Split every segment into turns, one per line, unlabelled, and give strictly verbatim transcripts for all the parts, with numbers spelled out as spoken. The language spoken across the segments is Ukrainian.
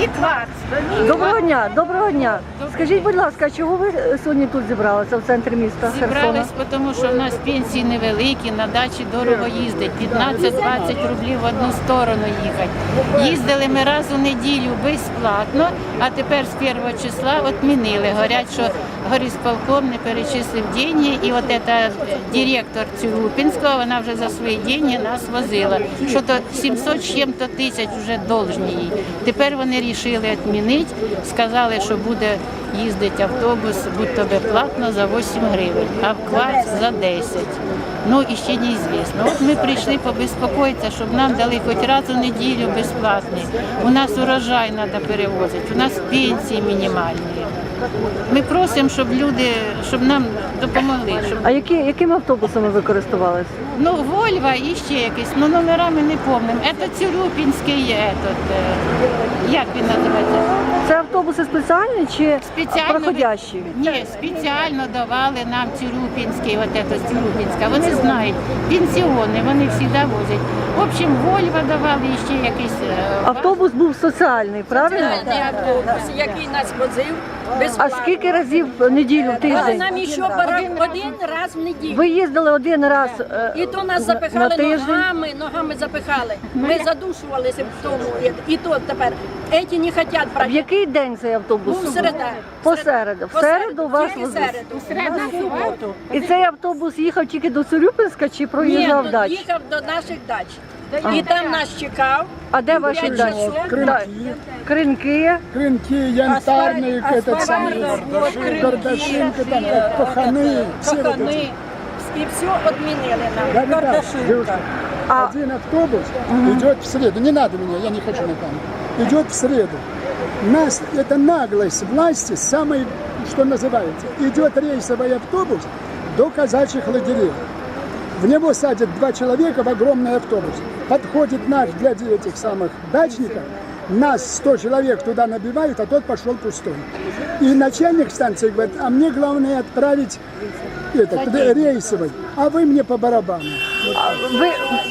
І кварц.
Доброго дня, доброго дня. Скажіть, будь ласка, чого ви сьогодні тут зібралися в центрі міста Херсона?
Зібрались, тому що в нас пенсії невеликі, на дачі дорого їздить. п'ятнадцять-двадцять рублів в одну сторону їхати. Їздили ми раз у неділю безплатно, а тепер з першого числа відмінили. Говорять, що горисполком не перечислив гроші, і от ця директор Цюрупінського, вона вже за свої гроші нас возила. Що то сімсот з чим-то тисяч вже должні їй. Тепер вони вирішили відмінити, сказали, що буде їздити автобус, будь-то безплатно за вісім гривень, а в кварц за десять. Ну і ще неізвісно. От ми прийшли побезпокоїтися, щоб нам дали хоч раз у неділю безплатний. У нас урожай треба перевозити, у нас пенсії мінімальні. Ми просимо, щоб люди, щоб нам допомогли. Щоб...
А які, якими автобусами ви користувалися?
Ну, Вольво і ще якийсь, ну номерами не пам'ятаю. Це Цюрупінський, этот, як він називається?
Це автобуси спеціальні чи
Спеціально
проходящі?
Ні, спеціально давали нам Цюрупінський, от це з Цюрупінська. Вони знають, пенсіони, вони завжди возять. В общем, Вольво давали і ще якийсь...
Автобус був соціальний, правильно?
Соціальний автобус, який нас возив
А
безплатно.
скільки разів в неділю, в
А
тиждень?
нам ще барак один раз в неділю.
Ви їздили один раз е,
І то нас
на
запихали
тиждень?
ногами, ногами запихали. Ми задушувалися в тому. І то тепер. Еті не хочуть
В
брати.
який день цей автобус?
Був середа.
Посереду. В середу вас
Тільки
везли?
середу. В суботу.
І цей автобус їхав тільки до Цюрюпинська чи
Ні,
проїжджав
тут
далі?
їхав до наших дач. І там нас чекав.
А де ваші
П'ять
дачі?
часов.
Да. Кринки.
Крынки, янтарные,
Асфальт,
этот самый,
асфальт, кринки,
Гордашинка, там,
всі,
паханы, все вот
Кохани.
эти.
І все відмінили
Да,
нам.
да, да, девушка,
А-
один автобус идет в среду, не надо меня, я не хочу на камеру, идет в среду. Нас, это наглость власти, самый, что называется, идет рейсовый автобус до казачьих лагерей. В него садят два человека в огромный автобус. Подходит наш для этих самых дачников, нас сто человек туда набивают, а тот пошел пустой. И начальник станции говорит, а мне главное отправить этот, рейсовый, а вы мне по барабану.
Ви...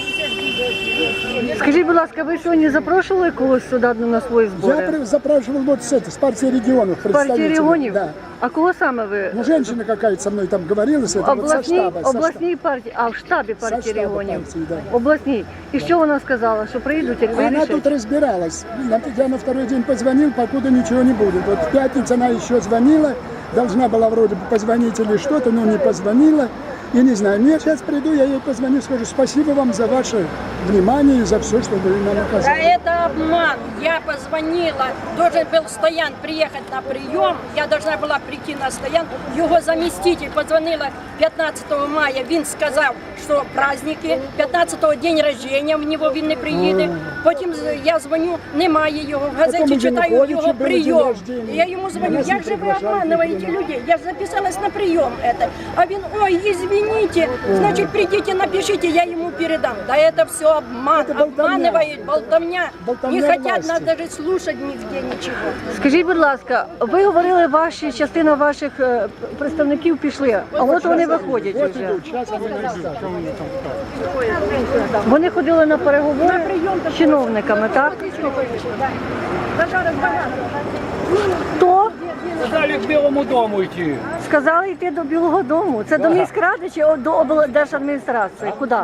Скажіть, будь ласка, ви сьогодні запрошували когось сюди на свої
Я
збори?
при- запрашивал вот с, этой, с партии регионов
Партії
представителей.
регіонів?
Да.
А кого саме ви?
Ну, женщина какая-то со мной там говорила, с этого, вот со
Обласній,
штаба. со
обласній партії, а в штабі
Со
партії
штабу
регіонів.
партії, да.
Обласній. І що вона сказала? Що приїдуть і
штаба. Она
вирішать?
тут разбиралась. На- Я на второй день позвонил, покуда ничего не будет. Вот в пятницу она еще звонила, должна была вроде бы позвонить или что-то, но не позвонила. И не знаю, я сейчас приду, я ей позвоню, скажу спасибо вам за ваше внимание и за все, что вы нам
Да
оказали.
это обман. Я позвонила, должен был Стоян приехать на прием, я должна была прийти на Стоян. Его заместитель позвонила п'ятнадцятого мая, він сказав, що праздники, п'ятнадцятого день рождения в нього він не приїде. Потім я дзвоню, немає його, в газеті
Потім
читаю
Януковича
його
був день
прийом.
рождения.
І я йому дзвоню,
Нас не
як же ви
приглашали,
обманываете
не
людей? Я же записалась на прием это. А він, ой, извините, значит, придите, напишите, я ему передам. Да это все обман,
Это болтовня.
обманывают, болтовня.
Болтовня
Не хотят
власти.
нас даже слушать нигде ничего.
Скажіть, будь ласка, ви говорили, ваші частина ваших е, представників пішли, а от вони виходять
Вот
вже.
идут, сейчас они расскажут.
Вони ходили на переговори з чиновниками, так? Хто?
Сказали к Белому дому идти.
Сказали йти до Білого дому. Це до міськради чи о- до облдержадміністрації? Куди?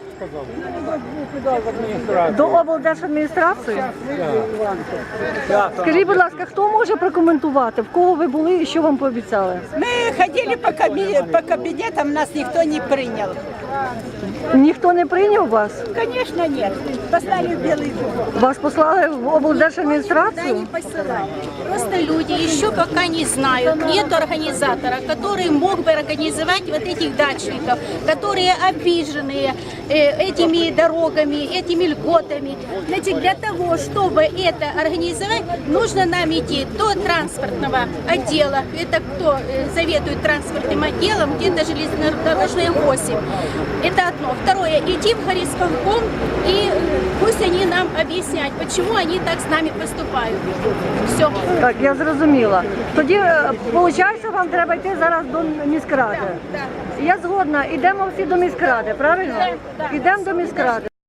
До облдержадміністрації? Скажіть, будь ласка, хто може прокоментувати, в кого ви були і що вам пообіцяли?
Мы ходили по, каби- по кабинетам, нас никто не принял.
Ніхто не прийняв вас?
Конечно, нет. Послали в Белый дом.
Вас послали в облдержадміністрацію?
Не посылать. Просто люди еще пока не знают, нет организатора, который мог бы организовать вот этих дачников, которые обиженные э, этими дорогами, этими льготами. Значит, для того, чтобы это организовать, нужно нам идти до транспортного отдела. Это кто э, заведует транспортным отделом, где-то железнодорожная восемь. Это одно. Второе, идти в горисполком и э, пусть они нам объяснят, почему они так с нами поступают. Все.
Так, я зрозуміла. Тоді, виходить, вам треба йти зараз до міськради. Я згодна, йдемо всі до міськради, правильно? Йдемо до міськради.